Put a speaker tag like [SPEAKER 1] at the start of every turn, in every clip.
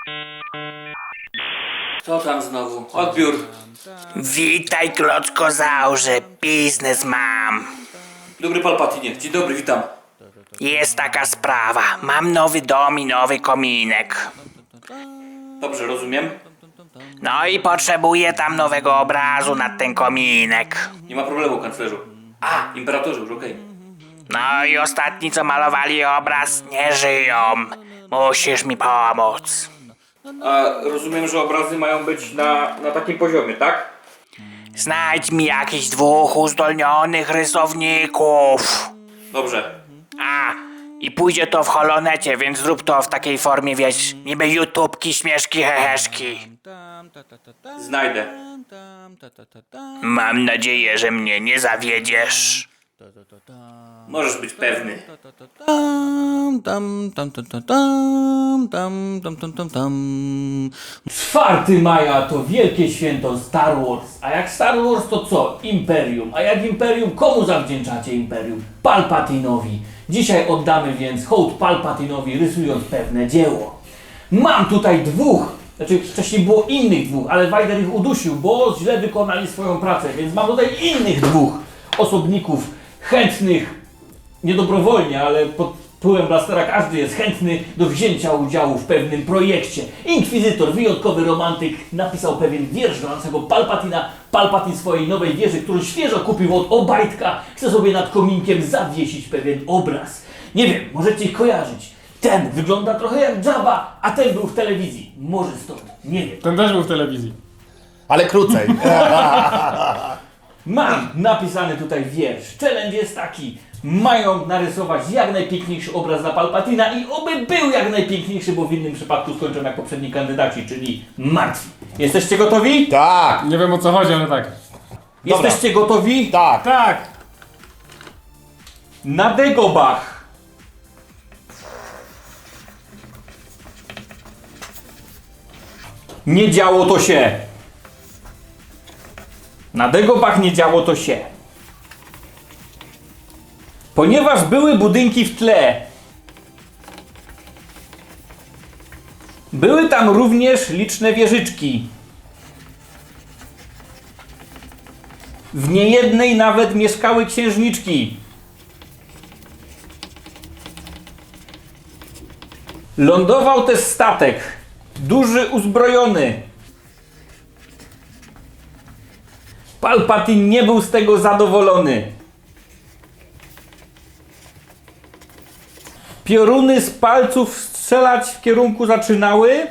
[SPEAKER 1] Co tam znowu? Odbiór.
[SPEAKER 2] Witaj, klockozaurze, biznes mam.
[SPEAKER 1] Dobry Palpatinie, dzień dobry, witam.
[SPEAKER 2] Jest taka sprawa, mam nowy dom i nowy kominek.
[SPEAKER 1] Dobrze, rozumiem.
[SPEAKER 2] No i potrzebuję tam nowego obrazu na ten kominek.
[SPEAKER 1] Nie ma problemu, kanclerzu. A, imperatorze, już okej.
[SPEAKER 2] No i ostatni, co malowali obraz, nie żyją. Musisz mi pomóc.
[SPEAKER 1] A rozumiem, że obrazy mają być na takim poziomie, tak?
[SPEAKER 2] Znajdź mi jakichś 2 uzdolnionych rysowników.
[SPEAKER 1] Dobrze.
[SPEAKER 2] A, i pójdzie to w holonecie, więc zrób to w takiej formie, wiesz, niby YouTubki, śmieszki, heheszki.
[SPEAKER 1] Znajdę.
[SPEAKER 2] Mam nadzieję, że mnie nie zawiedziesz.
[SPEAKER 1] Możesz być pewny.
[SPEAKER 3] 4 maja to wielkie święto Star Wars. A jak Star Wars to co? Imperium. A jak Imperium, komu zawdzięczacie Imperium? Palpatinowi. Dzisiaj oddamy więc hołd Palpatinowi, rysując pewne dzieło. Mam tutaj 2, znaczy wcześniej było innych 2, ale Vader ich udusił, bo źle wykonali swoją pracę, więc mam tutaj innych 2 osobników chętnych, nie dobrowolnie, ale pod wpływem blastera każdy jest chętny do wzięcia udziału w pewnym projekcie. Inkwizytor, wyjątkowy romantyk, napisał pewien wiersz do naszego Palpatina. Palpatin swojej nowej wieży, którą świeżo kupił od Obajtka, chce sobie nad kominkiem zawiesić pewien obraz. Nie wiem, możecie ich kojarzyć. Ten wygląda trochę jak Jabba, a ten był w telewizji. Może stąd, nie wiem.
[SPEAKER 4] Ten też był w telewizji.
[SPEAKER 5] Ale krócej.
[SPEAKER 3] Mam napisany tutaj wiersz. Challenge jest taki. Mają narysować jak najpiękniejszy obraz dla Palpatina i oby był jak najpiękniejszy, bo w innym przypadku skończą jak poprzedni kandydaci, czyli martwi. Jesteście gotowi?
[SPEAKER 5] Tak,
[SPEAKER 4] Nie wiem o co chodzi, ale tak.
[SPEAKER 3] Jesteście gotowi?
[SPEAKER 5] tak.
[SPEAKER 4] Tak!
[SPEAKER 3] Na Dagobah. Nie działo to się. Na Dagobah nie działo to się. Ponieważ były budynki w tle, były tam również liczne wieżyczki. W niejednej nawet mieszkały księżniczki. Lądował też statek, duży, uzbrojony. Palpatine nie był z tego zadowolony. Pioruny z palców strzelać w kierunku zaczynały.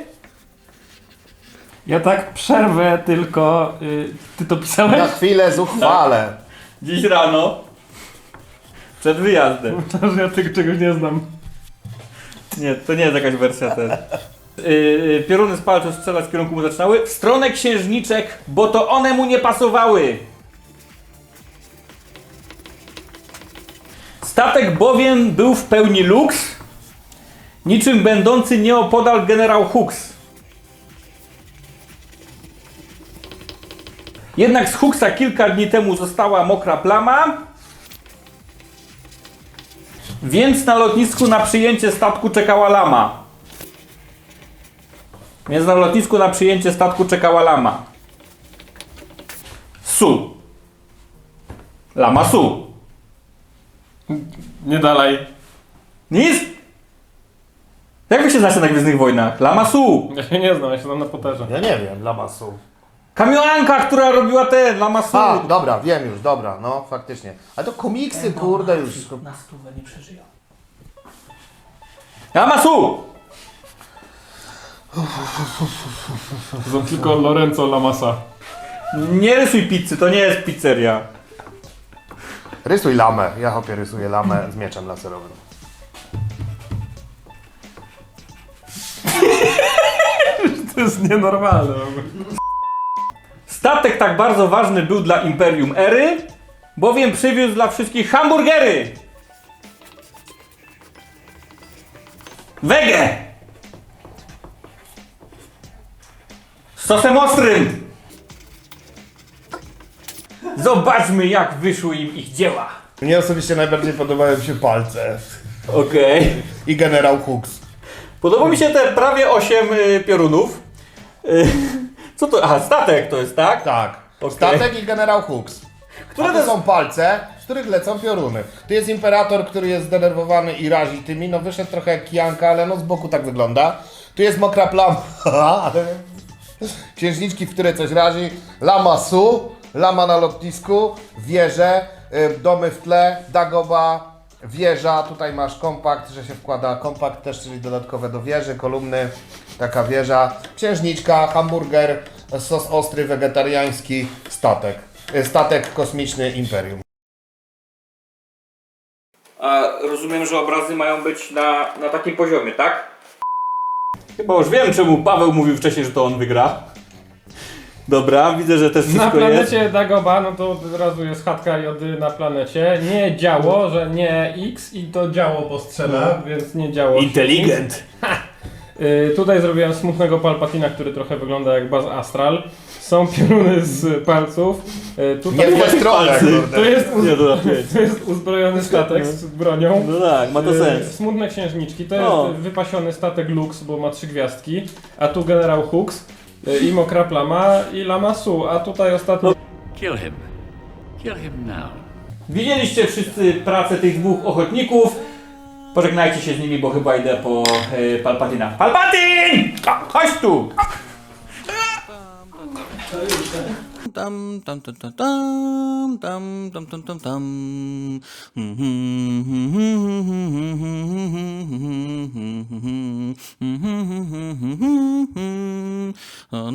[SPEAKER 4] Ja tak przerwę tylko. Ty to
[SPEAKER 5] Na
[SPEAKER 4] pisałeś?
[SPEAKER 5] chwilę zuchwale.
[SPEAKER 3] Dziś rano. Przed wyjazdem.
[SPEAKER 4] To, że ja tego czegoś nie znam.
[SPEAKER 3] Nie, to nie jest jakaś wersja też. Pioruny z palców strzelać w kierunku mu zaczynały. W stronę księżniczek, bo to one mu nie pasowały. Statek bowiem był w pełni luks, niczym będący nieopodal generał Hux. Jednak z Huxa kilka dni temu została mokra plama, więc na lotnisku na przyjęcie statku czekała lama. Su. Lama Su.
[SPEAKER 4] Nie dalej.
[SPEAKER 3] Nic? Jak wy się znacie na Gwiezdnych Wojnach? Lama Su.
[SPEAKER 4] Ja się nie znam, ja się znam na Potterze.
[SPEAKER 5] Ja nie wiem, Lamasu.
[SPEAKER 3] Kamioanka, która robiła te Lama Su.
[SPEAKER 5] A, dobra, wiem już, dobra, no faktycznie. Ale to komiksy, kurde, już.
[SPEAKER 3] Na stówę nie przeżyją. Lama Su.
[SPEAKER 4] Znam tylko Lorenzo Lamasa.
[SPEAKER 3] Nie rysuj pizzy, to nie jest pizzeria.
[SPEAKER 5] Rysuj lamę. Ja chłopie rysuję lamę z mieczem laserowym.
[SPEAKER 4] To jest nienormalne.
[SPEAKER 3] Statek tak bardzo ważny był dla Imperium Ery, bowiem przywiózł dla wszystkich hamburgery. Wege! Z sosem ostrym. Zobaczmy, jak wyszły im ich dzieła.
[SPEAKER 5] Mnie osobiście najbardziej podobają się palce.
[SPEAKER 3] Okej.
[SPEAKER 5] I generał Hux.
[SPEAKER 3] Podoba mi się te prawie 8 piorunów. Co to? Aha, statek to jest, tak?
[SPEAKER 5] Tak.
[SPEAKER 3] Okej.
[SPEAKER 5] Statek i generał Hux.
[SPEAKER 3] Które
[SPEAKER 5] To są palce, z których lecą pioruny. Tu jest imperator, który jest zdenerwowany i razi tymi. No wyszedł trochę jak kijanka, ale no z boku tak wygląda. Tu jest mokra plama. Księżniczki, w które coś razi. Lama Su, lama na lotnisku, wieże, domy w tle, Dagoba, wieża. Tutaj masz kompakt, że się wkłada kompakt też, czyli dodatkowe do wieży, kolumny, taka wieża. Księżniczka, hamburger, sos ostry, wegetariański, statek. Statek kosmiczny Imperium.
[SPEAKER 1] A rozumiem, że obrazy mają być na takim poziomie, tak?
[SPEAKER 3] Chyba już wiem, czemu Paweł mówił wcześniej, że to on wygra. Dobra, widzę, że też
[SPEAKER 4] Na
[SPEAKER 3] wszystko jest.
[SPEAKER 4] planecie Dagoba, no to od razu jest chatka jody na planecie. Nie działo, że nie X i to działo postrzela, więc nie działo.
[SPEAKER 3] Inteligent.
[SPEAKER 4] Tutaj zrobiłem smutnego Palpatina, który trochę wygląda jak Baz Astral. Są pioruny z palców. Tutaj
[SPEAKER 5] Nie w tę stronę, kurde.
[SPEAKER 4] to jest uzbrojony statek z bronią.
[SPEAKER 3] No tak, ma to sens.
[SPEAKER 4] Smutne księżniczki. To
[SPEAKER 3] O.
[SPEAKER 4] jest wypasiony statek Lux, bo ma 3 gwiazdki. A tu generał Hux i mokra plama i lama Su. A tutaj ostatni...
[SPEAKER 6] Kill him. Kill him now.
[SPEAKER 3] Widzieliście wszyscy pracę tych dwóch ochotników. Pożegnajcie się z nimi, bo chyba idę po Palpatina. Palpatin! Chodź tu!
[SPEAKER 7] Tam tam tam tam tam tam tam tam tam